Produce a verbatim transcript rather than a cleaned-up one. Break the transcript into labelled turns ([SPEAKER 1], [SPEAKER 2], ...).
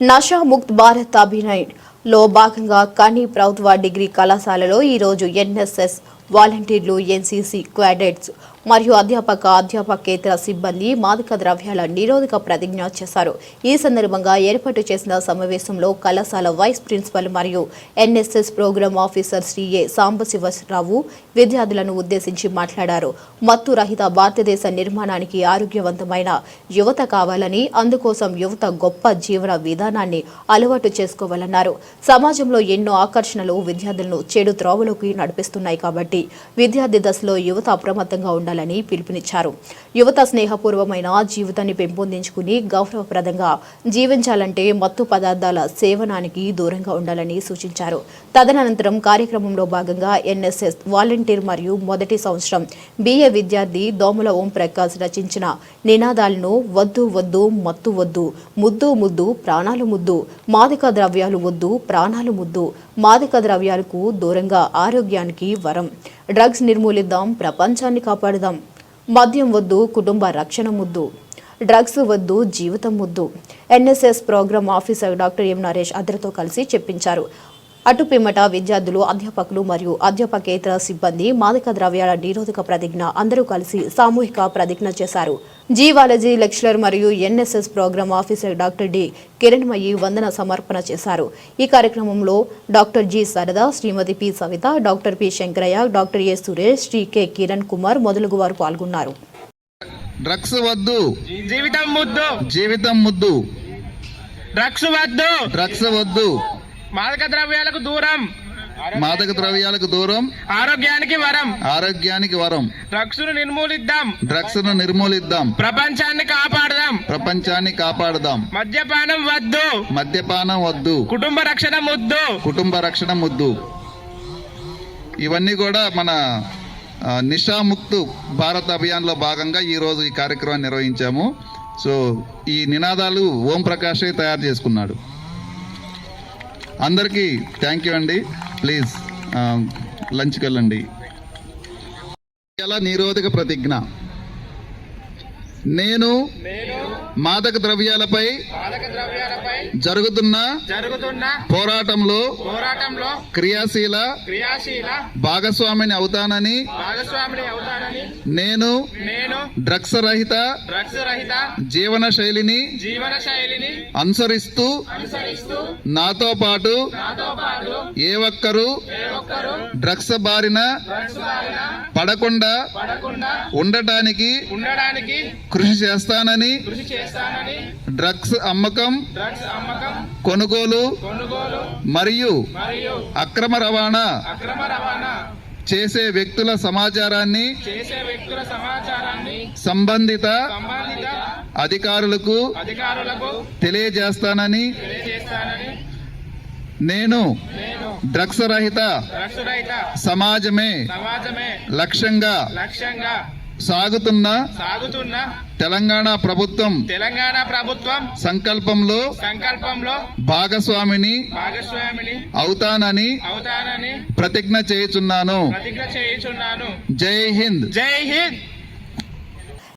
[SPEAKER 1] నషా ముక్త్ భారత్ అభియాన్ లో భాగంగా కని ప్రభుత్వ డిగ్రీ కళాశాలలో ఈ రోజు ఎన్ఎస్ఎస్ వాలంటీర్లు, ఎన్సీసీ క్యాడెట్స్ మరియు అధ్యాపక అధ్యాపకేతర సిబ్బంది మాదక ద్రవ్యాల నిరోధక ప్రతిజ్ఞ చేశారు. ఈ సందర్భంగా ఏర్పాటు చేసిన సమావేశంలో కళాశాల వైస్ ప్రిన్సిపల్ మరియు NSS programme officer Shri A Sambasivarao విద్యార్థులను ఉద్దేశించి మాట్లాడారు. మత్తు రహిత భారతదేశ నిర్మాణానికి ఆరోగ్యవంతమైన యువత కావాలని, అందుకోసం యువత గొప్ప జీవన విధానాన్ని అలవాటు చేసుకోవాలన్నారు. సమాజంలో ఎన్నో ఆకర్షణలు విద్యార్థులను చెడు త్రోవలోకి నడిపిస్తున్నాయి కాబట్టి విద్యార్థి దశలో యువత అప్రమత్తంగా ఉండాలని పిలుపునిచ్చారు. యువత స్నేహపూర్వమైన జీవితాన్ని పెంపొందించుకుని గౌరవప్రదంగా జీవించాలంటే మత్తు పదార్థాల సేవనానికి దూరంగా ఉండాలని సూచించారు. తదనంతరం కార్యక్రమంలో భాగంగా ఎన్ఎస్ఎస్ వాలంటీర్ మరియు మొదటి సంవత్సరం బిఏ విద్యార్థి దోమల ఓం ప్రకాష్ రచించిన నినాదాలను వద్దు వద్దు మత్తు వద్దు, ముద్దు ముద్దు ప్రాణాలు ముద్దు, మాదక ద్రవ్యాలు వద్దు ప్రాణాలు ముద్దు, మాదక ద్రవ్యాలకు దూరంగా ఆరోగ్యానికి వరం, డ్రగ్స్ నిర్మూలిద్దాం ప్రపంచాన్ని కాపాడుదాం, మద్యం వద్దు కుటుంబ రక్షణ ముద్దు, డ్రగ్స్ వద్దు జీవితం ముద్దు. NSS programme officer doctor M Naresh అందరితో కలిసి చెప్పించారు. అటు పిమ్మట విద్యార్థులు, అధ్యాపకులు మరియు అధ్యాపకేతర సిబ్బంది మాదక ద్రవ్యాల నిరోధక ప్రతిజ్ఞ అందరూ కలిసి సామూహిక ప్రతిజ్ఞ చేశారు. జీవాలజీ లెక్చరర్ మరియు NSS programme officer doctor D Kiranmayi వందన సమర్పణ చేశారు. ఈ కార్యక్రమంలో doctor G Sarada, Shrimati P Savita, doctor P Shankaraiah, doctor A Suresh, Shri K Kiran Kumar మొదలగు వారు పాల్గొన్నారు.
[SPEAKER 2] డ్రగ్స్ వద్దు
[SPEAKER 3] జీవితం ముద్దు,
[SPEAKER 2] జీవితం ముద్దు,
[SPEAKER 3] డ్రగ్స్ వద్దు
[SPEAKER 2] డ్రగ్స్ వద్దు,
[SPEAKER 3] మాదక ద్రవ్యాలకు దూరం,
[SPEAKER 2] మాదక ద్రవ్యాలకు దూరం,
[SPEAKER 3] ఆరోగ్యానికి వరం,
[SPEAKER 2] ఆరోగ్యానికి వరం,
[SPEAKER 3] డ్రగ్స్ ను నిర్మూలిద్దాం,
[SPEAKER 2] డ్రగ్స్ ను నిర్మూలిద్దాం,
[SPEAKER 3] ప్రపంచాన్ని కాపాడదాం,
[SPEAKER 2] ప్రపంచాన్ని కాపాడుదాం,
[SPEAKER 3] మద్యపానం వద్దు,
[SPEAKER 2] మద్యపానం వద్దు,
[SPEAKER 3] కుటుంబ రక్షణ ముద్దు,
[SPEAKER 2] కుటుంబ రక్షణ ముద్దు. ఇవన్నీ కూడా మన నిషాముక్త్ భారత్ అభియాన్లో భాగంగా ఈరోజు ఈ కార్యక్రమాన్ని నిర్వహించాము. సో ఈ నినాదాలు ఓం ప్రకాషే తయారు చేసుకున్నాడు. అందరికీ థ్యాంక్ యూ అండి. ప్లీజ్ లంచ్కి వెళ్ళండి. నిరోధక ప్రతిజ్ఞ. నేను మాదక ద్రవ్యాలపై జరుగుతున్న
[SPEAKER 3] జరుగుతున్న
[SPEAKER 2] పోరాటంలో
[SPEAKER 3] పోరాటంలో
[SPEAKER 2] క్రియాశీల
[SPEAKER 3] క్రియాశీల
[SPEAKER 2] భాగస్వామిని అవుతానని
[SPEAKER 3] భాగస్వామిని అవుతానని
[SPEAKER 2] నేను
[SPEAKER 3] నేను
[SPEAKER 2] డ్రగ్స్ రహిత
[SPEAKER 3] డ్రగ్స్ రహిత
[SPEAKER 2] జీవన శైలిని
[SPEAKER 3] జీవన శైలిని
[SPEAKER 2] అనుసరిస్తూ
[SPEAKER 3] అనుసరిస్తూ
[SPEAKER 2] నాతో పాటు
[SPEAKER 3] నాతో పాటు
[SPEAKER 2] ఏ ఒక్కరు
[SPEAKER 3] ఏ ఒక్కరు
[SPEAKER 2] డ్రగ్స్ బారిన
[SPEAKER 3] డ్రగ్స్ బారిన
[SPEAKER 2] పడకుండా
[SPEAKER 3] పడకుండా
[SPEAKER 2] ఉండటానికి
[SPEAKER 3] ఉండడానికి
[SPEAKER 2] కృషి చేస్తానని,
[SPEAKER 3] కృషి చేస్తానని,
[SPEAKER 2] డ్రగ్స్ అమ్మకం,
[SPEAKER 3] డ్రగ్స్ అమ్మకం,
[SPEAKER 2] కొనుగోలు
[SPEAKER 3] కొనుగోలు
[SPEAKER 2] మరియు
[SPEAKER 3] మరియు
[SPEAKER 2] అక్రమ రవాణా
[SPEAKER 3] అక్రమ రవాణా
[SPEAKER 2] చేసే వ్యక్తుల సమాచారాన్ని
[SPEAKER 3] చేసే వ్యక్తుల సమాచారాన్ని
[SPEAKER 2] సంబంధిత
[SPEAKER 3] సంబంధిత
[SPEAKER 2] అధికారులకు
[SPEAKER 3] అధికారులకు
[SPEAKER 2] తెలియజేస్తానని,
[SPEAKER 3] తెలియజేస్తానని,
[SPEAKER 2] నేను
[SPEAKER 3] నేను
[SPEAKER 2] డ్రగ్స్ రహిత
[SPEAKER 3] డ్రగ్స్ రహిత
[SPEAKER 2] సమాజమే
[SPEAKER 3] సమాజమే
[SPEAKER 2] లక్ష్యంగా
[SPEAKER 3] లక్ష్యంగా
[SPEAKER 2] సాగుతున్న
[SPEAKER 3] సాగుతున్న
[SPEAKER 2] తెలంగాణ ప్రభుత్వం
[SPEAKER 3] తెలంగాణ ప్రభుత్వం
[SPEAKER 2] సంకల్పంలో
[SPEAKER 3] సంకల్పంలో
[SPEAKER 2] భాగస్వామిని
[SPEAKER 3] భాగస్వామిని
[SPEAKER 2] అవుతానని
[SPEAKER 3] అవుతానని
[SPEAKER 2] ప్రతిజ్ఞ చేయుచున్నాను.
[SPEAKER 3] ప్రతిజ్ఞ చేయుచున్నాను.
[SPEAKER 2] జై హింద్.
[SPEAKER 3] జై హింద్.